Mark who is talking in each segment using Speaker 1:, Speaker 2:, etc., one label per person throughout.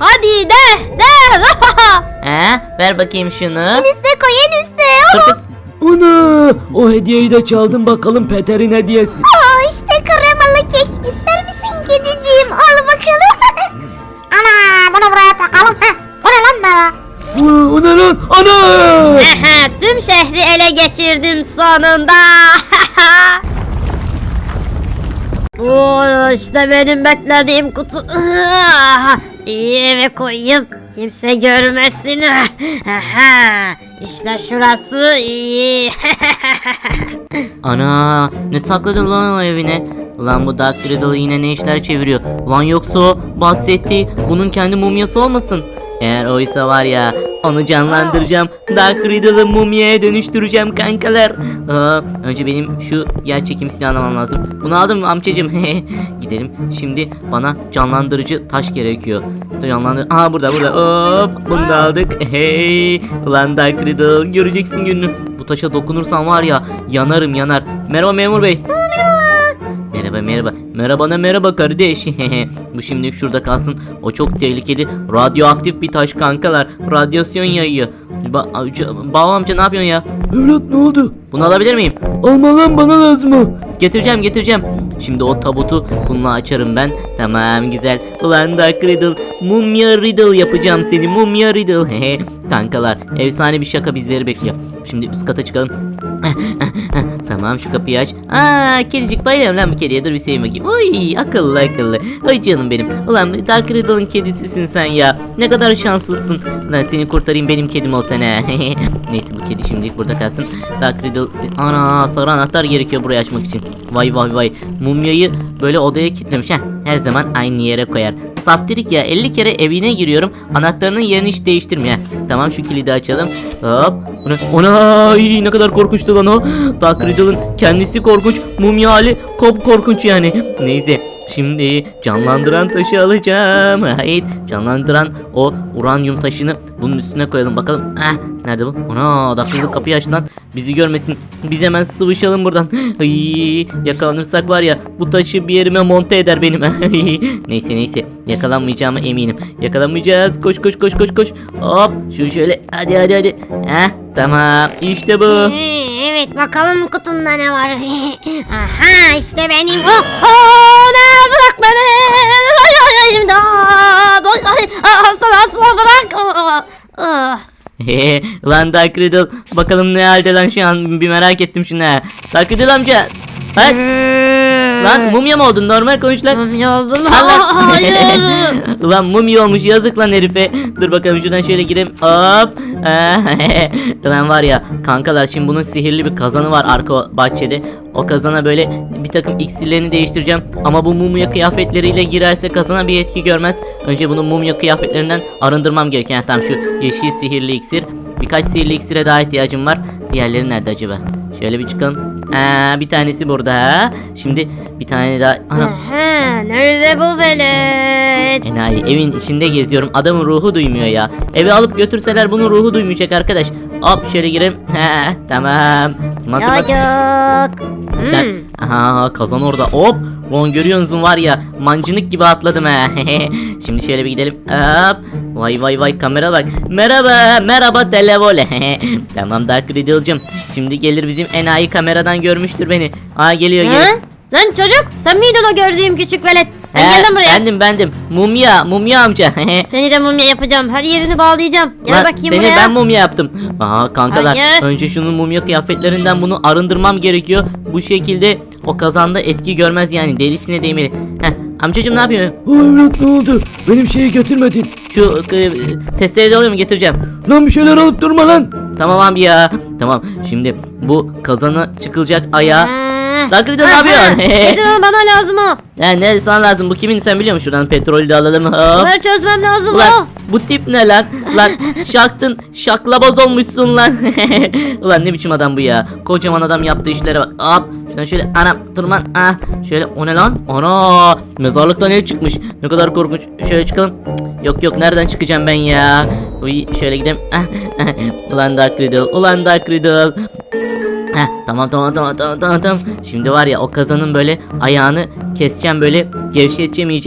Speaker 1: Hadi de.
Speaker 2: Ver bakayım şunu.
Speaker 1: En üstte koy, en üstte.
Speaker 2: Dur kız.
Speaker 3: Ana, o hediyeyi de çaldım, bakalım Peter'in hediyesi.
Speaker 1: İşte kremalı kek. İster misin kediciğim? Al bakalım. Ana, bunu buraya takalım. Bu ne lan bana?
Speaker 3: O ne lan? Ana!
Speaker 1: Tüm şehri ele geçirdim sonunda. Bu işte benim beklediğim kutu. İyi eve koyayım. Kimse görmesin. İşte şurası iyi.
Speaker 2: Ana, ne sakladın lan o evine? Ulan bu Dark Riddle yine ne işler çeviriyor? Ulan yoksa o bahsettiği bunun kendi mumyası olmasın? Eğer oysa var ya, onu canlandıracağım. Dark Riddle'ı mumyaya dönüştüreceğim kankalar. Önce benim şu yer çekim silahını almam lazım. Bunu aldım amcacım. Gidelim. Şimdi bana canlandırıcı taş gerekiyor. Aha burada. Hop, bunu da aldık. Hey, ulan Dark Riddle, göreceksin gününü. Bu taşa dokunursam var ya, yanarım yanar. Merhaba memur bey. Merhaba. Merhaba kardeş. Bu şimdi şurada kalsın. O çok tehlikeli. Radyoaktif bir taş kankalar. Radyasyon yayıyor. Bağ amca ne yapıyorsun ya?
Speaker 3: Evlat, ne oldu?
Speaker 2: Bunu alabilir miyim?
Speaker 3: Alma lan, bana lazım o.
Speaker 2: Getireceğim. Şimdi o tabutu bununla açarım ben. Tamam, güzel. Ulan Dark Riddle, Mumya Riddle yapacağım seni. Mumya Riddle. Kankalar, efsane bir şaka bizleri bekliyor. Şimdi üst kata çıkalım. Tamam, şu kapıyı aç. Kedicik, bayılıyorum lan bu kediye. Dur bir seveyim bakayım. Oy, akıllı. Ay canım benim. Ulan Dark Riddle'ın kedisisin sen ya. Ne kadar şanslısın. Lan seni kurtarayım, benim kedim ol sen ha. Neyse, bu kedi şimdilik burada kalsın. Dark Riddle. Ana, sarı anahtar gerekiyor burayı açmak için. Vay. Mumyayı böyle odaya kilitlemiş. Her zaman aynı yere koyar. Saftirik ya, 50 kere evine giriyorum. Anahtarının yerini hiç değiştirmiyor. Tamam, şu kilidi açalım. Hop. Ona ne kadar korkunçtu lan o. Dark Riddle'ın kendisi korkunç. Mumya hali korkunç yani. Neyse. Şimdi canlandıran taşı alacağım. Hayır, canlandıran o uranyum taşını bunun üstüne koyalım bakalım. Nerede bu? Ana, Dark Riddle kapıyı aç lan. Bizi görmesin. Biz hemen sıvışalım buradan. Ay, yakalanırsak var ya, bu taşı bir yerime monte eder benim. Neyse. Yakalanmayacağıma eminim. Yakalanmayacağız. Koş. Hop, şöyle. Hadi. Tamam. İşte bu.
Speaker 1: Evet, bakalım kutunda ne var. Aha, işte benim. Bırak beni. Asla bırak.
Speaker 2: Lan Dark Riddle, bakalım ne halde lan şu an, bir merak ettim şunu ha. Dark Riddle amca. Lan mumya mı oldun? Normal konuş lan.
Speaker 1: Mumya oldum.
Speaker 2: Hayır. Ulan mumya olmuş, yazık lan herife. Dur bakalım, şuradan şöyle gireyim. Hop. Ulan var ya kankalar, şimdi bunun sihirli bir kazanı var arka bahçede. O kazana böyle bir takım iksirlerini değiştireceğim. Ama bu mumya kıyafetleriyle girerse kazana bir etki görmez. Önce bunu mumya kıyafetlerinden arındırmam gerekiyor. Tamam, şu yeşil sihirli iksir. Birkaç sihirli iksire daha ihtiyacım var. Diğerleri nerede acaba? Şöyle bir çıkalım. Bir tanesi burada. Şimdi bir tane daha.
Speaker 1: Nerede bu velet?
Speaker 2: Enayi, evin içinde geziyorum. Adamın ruhu duymuyor ya. Eve alıp götürseler bunun ruhu duymayacak arkadaş. Hop, şöyle gireyim. Tamam.
Speaker 1: Çocuk.
Speaker 2: Aha, kazan orada. Hop. Lan görüyorsunuz var ya, mancınık gibi atladım ha. Şimdi şöyle bir gidelim. Hop. Vay kamera bak. Merhaba televole. Tamam Dark Riddle'cım. Şimdi gelir bizim enayi, kameradan görmüştür beni. Geliyor.
Speaker 1: Lan çocuk, sen miydin o gördüğüm küçük velet? Gel buraya.
Speaker 2: Bendim. Mumya amca.
Speaker 1: Seni de mumya yapacağım. Her yerini bağlayacağım. Gel bakayım
Speaker 2: seni
Speaker 1: buraya.
Speaker 2: ben mumya yaptım. Kankalar,
Speaker 1: Hayır.
Speaker 2: önce şunun mumya kıyafetlerinden bunu arındırmam gerekiyor. Bu şekilde o kazanda etki görmez yani, derisine değmeli. Amcacım ne yapıyorsun?
Speaker 3: Evlat, ne oldu? Benim şeyi götürmedin.
Speaker 2: Şu testereyi de alıyor mu? Getireceğim.
Speaker 3: Lan bir şeyler alıp durma lan.
Speaker 2: Tamam abi ya. Tamam, şimdi bu kazana çıkılacak ayağı. Dark Riddle ne yapıyorsun?
Speaker 1: Getir onu, bana lazım o.
Speaker 2: Ne sana lazım? Bu kimin, sen biliyor musun? Şuradan petrolü de alalım. Hop.
Speaker 1: Bunları çözmem lazım
Speaker 2: Ulan bu tip ne lan? Lan şaklaboz olmuşsun lan. Ulan ne biçim adam bu ya? Kocaman adam yaptığı işlere bak. Hop. Şuradan şöyle tırman. Şöyle, o ne lan? Ana, mezarlıktan el çıkmış. Ne kadar korkunç. Şöyle çıkalım. Yok nereden çıkacağım ben ya? Şöyle gidelim. Ulan Dark Riddle. Tamam. Şimdi var ya, o kazanın böyle ayağını keseceğim, böyle gevşeteceğim iyice.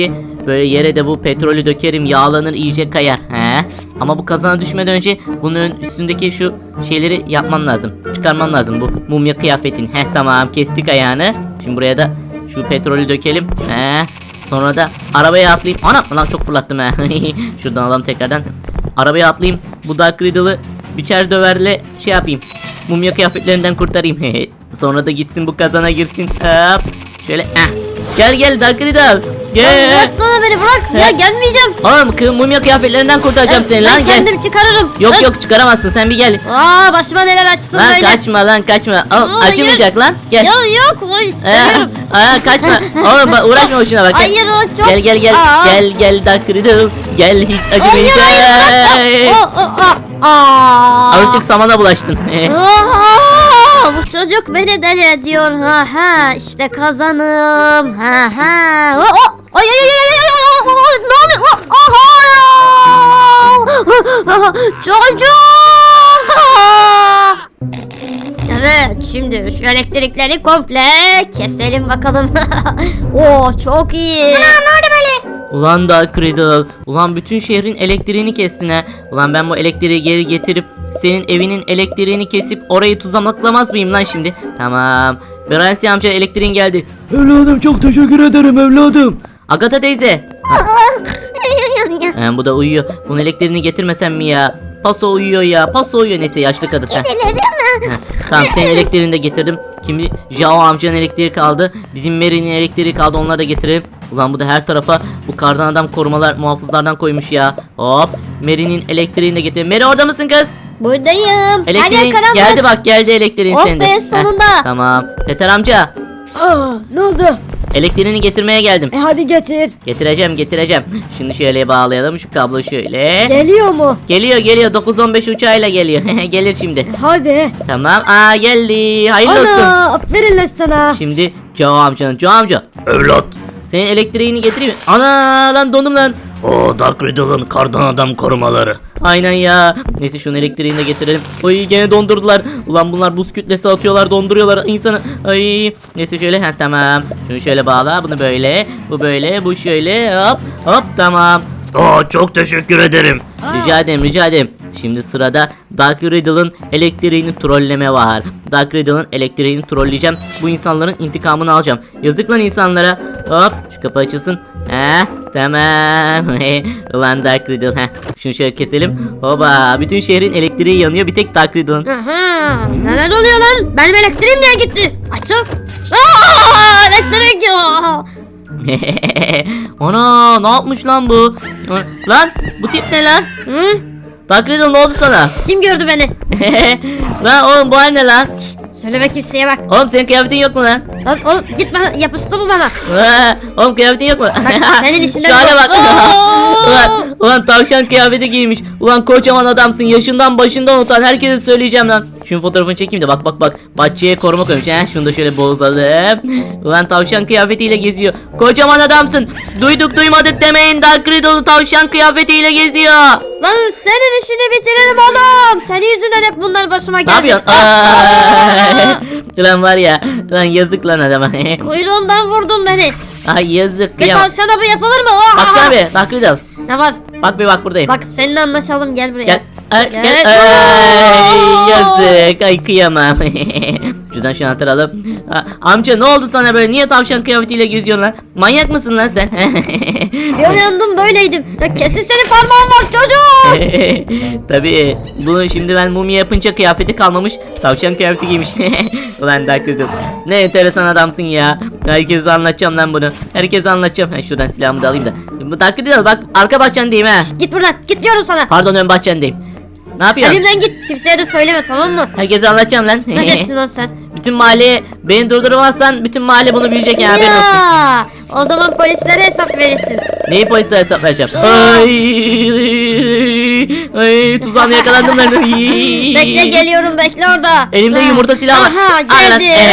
Speaker 2: Böyle yere de bu petrolü dökerim, yağlanır, iyice kayar. He? Ama bu kazana düşmeden önce bunun üstündeki şu şeyleri yapmam lazım. Çıkarmam lazım bu mumya kıyafetin. Tamam, kestik ayağını. Şimdi buraya da şu petrolü dökelim. Sonra da arabaya atlayayım. Anam lan, çok fırlattım he. Şuradan alalım tekrardan. Arabaya atlayayım. Bu Dark Riddle'ı biçer döverle şey yapayım. Mumya kıyafetlerinden kurtarayım. Sonra da gitsin bu kazana girsin. Hop. Şöyle. Gel Dark Riddle. Gel.
Speaker 1: Bıraksana beni, bırak. Ya gelmeyeceğim.
Speaker 2: Oğlum mumya kıyafetlerinden kurtaracağım seni lan,
Speaker 1: Ben
Speaker 2: gel.
Speaker 1: kendim çıkarırım.
Speaker 2: Yok çıkaramazsın, sen bir gel.
Speaker 1: Başıma neler açtın
Speaker 2: Lan
Speaker 1: böyle.
Speaker 2: kaçma. Oğlum,
Speaker 1: Hayır.
Speaker 2: acımayacak lan. Gel.
Speaker 1: Yok istemiyorum.
Speaker 2: Kaçma. Oğlum uğraşma boşuna bak.
Speaker 1: Hayır, o çok.
Speaker 2: Gel.
Speaker 1: Aa.
Speaker 2: Gel Dark Riddle. Gel, hiç
Speaker 1: Hayır,
Speaker 2: acımayacak. Azıcık samana bulaştın.
Speaker 1: Bu çocuk beni deli ediyor. İşte kazanım. Ay, ne oluyor? Çocuk. Evet, şimdi şu elektrikleri komple keselim bakalım. Çok iyi. Ne oldu böyle?
Speaker 2: Ulan Dark Riddle, ulan bütün şehrin elektriğini kestin ha. Ulan ben bu elektriği geri getirip senin evinin elektriğini kesip orayı tuzaklamaz mıyım lan şimdi? Tamam. Bransi amca, elektriğin geldi.
Speaker 3: Evladım çok teşekkür ederim evladım.
Speaker 2: Agatha teyze. Bu da uyuyor. Bunun elektriğini getirmesem mi ya? Paso uyuyor ya. Paso uyuyor, neyse yaşlı kadın. Tamam, senin elektriğini de getirdim. Şimdi Jao amcanın elektriği kaldı. Bizim Mary'nin elektriği kaldı, onları da getirelim. Ulan bu da her tarafa bu kardan adam korumalar, muhafızlardan koymuş ya. Hop, Mary'nin elektriğini de getirdim. Mary, orada mısın kız?
Speaker 1: Buradayım.
Speaker 2: Elektriğin geldi, bak geldi elektriğin
Speaker 1: Oh
Speaker 2: senin de.
Speaker 1: be, sonunda.
Speaker 2: Tamam. Peter amca,
Speaker 3: Ne oldu?
Speaker 2: elektriğini getirmeye geldim.
Speaker 3: Hadi getir.
Speaker 2: Getireceğim. Şimdi şöyle bağlayalım şu kablo şöyle.
Speaker 3: Geliyor mu?
Speaker 2: Geliyor 915 uçağıyla geliyor. Gelir şimdi.
Speaker 3: Hadi.
Speaker 2: Tamam. Geldi. Hayırlı olsun.
Speaker 3: Aferin lan sana.
Speaker 2: Şimdi Joe amca. Evlat. Senin elektriğini getireyim mi? Ana lan, dondum lan. O Dark Riddle'ın kardan adam korumaları. Aynen ya. Neyse, şunun elektriğini de getirelim. Ay, gene dondurdular. Ulan bunlar buz kütlesi atıyorlar, donduruyorlar insanı. Ay. Neyse şöyle, tamam. Şunu şöyle bağla. Bunu böyle. Bu böyle. Bu şöyle. Hop tamam. Çok teşekkür ederim. Rica ederim. Şimdi sırada Dark Riddle'ın elektriğini trolleme var. Dark Riddle'ın elektriğini trolleyeceğim. Bu insanların intikamını alacağım. Yazık lan insanlara. Hop, şu kapı açılsın. Tamam. Ulan Dark Riddle. Şunu şöyle keselim. Hoba, bütün şehrin elektriği yanıyor, bir tek Dark Riddle'ın.
Speaker 1: Neler oluyor lan? Benim elektriğim niye gitti? Açıl. Elektrik ya.
Speaker 2: Ana, ne yapmış lan bu? Lan bu tip ne lan? Dark Riddle, ne oldu sana?
Speaker 1: Kim gördü beni?
Speaker 2: Lan oğlum, bu hal ne lan?
Speaker 1: Söyleme kimseye bak.
Speaker 2: Oğlum, senin kıyafetin yok mu lan?
Speaker 1: Lan oğlum, git bana, yapıştı mı bana?
Speaker 2: Oğlum, kıyafetin yok mu?
Speaker 1: Senin işinden
Speaker 2: Şu hale
Speaker 1: yok.
Speaker 2: bak. ulan tavşan kıyafeti giymiş. Ulan kocaman adamsın. Yaşından başından utan. Herkese söyleyeceğim lan. Şunun fotoğrafını çekeyim de bak. Bahçeye koruma koymuş. Şunu da şöyle bozalım. Ulan tavşan kıyafetiyle geziyor. Kocaman adamsın. Duyduk duymadık demeyin. Dark Riddle tavşan kıyafetiyle geziyor.
Speaker 1: Lan senin işini bitiririm oğlum. Senin yüzünden hep bunlar başıma
Speaker 2: Ne
Speaker 1: geldi.
Speaker 2: yapıyorsun? Ulan var ya. Lan yazık lan adama.
Speaker 1: Kuyruğundan vurdun beni.
Speaker 2: Ay yazık,
Speaker 1: Bir
Speaker 2: kıyamam.
Speaker 1: tavşana bu yapılır mı?
Speaker 2: Baksana be Dark Riddle.
Speaker 1: Ne var?
Speaker 2: Bak buradayım.
Speaker 1: Bak, seninle anlaşalım, gel buraya.
Speaker 2: Gel. Gel.
Speaker 1: Gel.
Speaker 2: Ay, yazık. Ay, kıyamam. Şuradan şu anahtarı alalım. Amca, ne oldu sana böyle? Niye tavşan kıyafetiyle geziyorsun lan? Manyak mısın lan sen?
Speaker 1: Görüyordum, böyleydim. Ya kesin senin parmağın var çocuk.
Speaker 2: Tabii. Bunu şimdi ben mumya yapınca kıyafeti kalmamış. Tavşan kıyafeti giymiş. Ulan Dark Riddle. Ne enteresan adamsın ya. Herkese anlatacağım lan bunu. Herkese anlatacağım. Şuradan silahımı da alayım da. Bu Dark Riddle, bak arka bahçendeyim ha.
Speaker 1: Git buradan, git diyorum sana.
Speaker 2: Pardon, ön bahçendeyim. Ne yapıyorsun?
Speaker 1: Elimden git, kimseye de söyleme, tamam mı?
Speaker 2: Herkese anlatacağım lan.
Speaker 1: Ne geçsin lan sen?
Speaker 2: Bütün mahalleye beni durdurmazsan bütün mahalle bunu bilecek ya, haberin olsun.
Speaker 1: Ya, o zaman polislere hesap verirsin.
Speaker 2: Neyi polislere hesap vereceğim? Ay, tuzağına yakalandım lan.
Speaker 1: Bekle, geliyorum, bekle orada.
Speaker 2: Elimde yumurta silahı var.
Speaker 1: Aha,
Speaker 2: Al lan.
Speaker 1: geldi.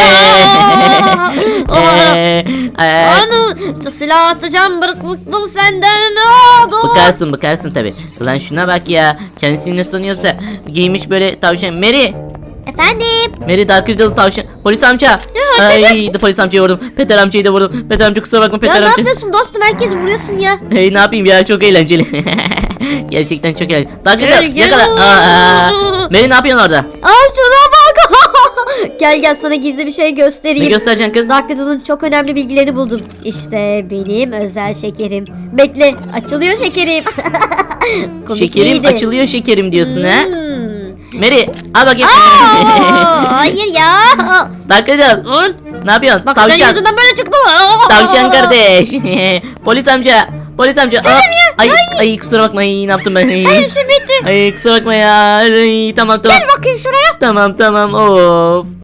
Speaker 1: Onu silah atacağım, bıktım senden. Ne oldu?
Speaker 2: Bıkarsın tabi. Ulan şuna bak ya. Kendisini ne sanıyorsa giymiş böyle tavşan. Mary.
Speaker 1: Efendim?
Speaker 2: Mary Dark Riddle tavşan. Polis amca. Ay polis amcayı vurdum. Peter amcayı da vurdum. Peter amca kusura bakma
Speaker 1: Ya
Speaker 2: Peter
Speaker 1: ne
Speaker 2: amca.
Speaker 1: yapıyorsun dostum? Herkesi vuruyorsun ya.
Speaker 2: Hey ne yapayım ya çok eğlenceli. Gerçekten çok eğlenceli. Dark Riddle
Speaker 1: Gel, gel.
Speaker 2: yakala. Mary ne yapıyorsun orada?
Speaker 1: Ay şuna bak. Gel sana gizli bir şey
Speaker 2: Ne
Speaker 1: göstereyim.
Speaker 2: göstereceksin kız?
Speaker 1: Dark Riddle'ın çok önemli bilgilerini buldum. İşte benim özel şekerim. Bekle, açılıyor şekerim. Komik
Speaker 2: Şekerim
Speaker 1: miydi?
Speaker 2: açılıyor şekerim diyorsun ha?
Speaker 1: Hmm.
Speaker 2: Mary al bakayım.
Speaker 1: Aa, hayır ya.
Speaker 2: Dark Riddle ne yapıyorsun?
Speaker 1: Bak senin
Speaker 2: Tavşan.
Speaker 1: yüzünden böyle çıktı.
Speaker 2: Tavşan kardeş. Polis amca. Polis amca. Ay kusura bakma ay, ne yaptım ben? Ay,
Speaker 1: Sen işin bitti.
Speaker 2: ay kusura bakma ya. Ay, tamam.
Speaker 1: Gel bakayım şuraya.
Speaker 2: Tamam of.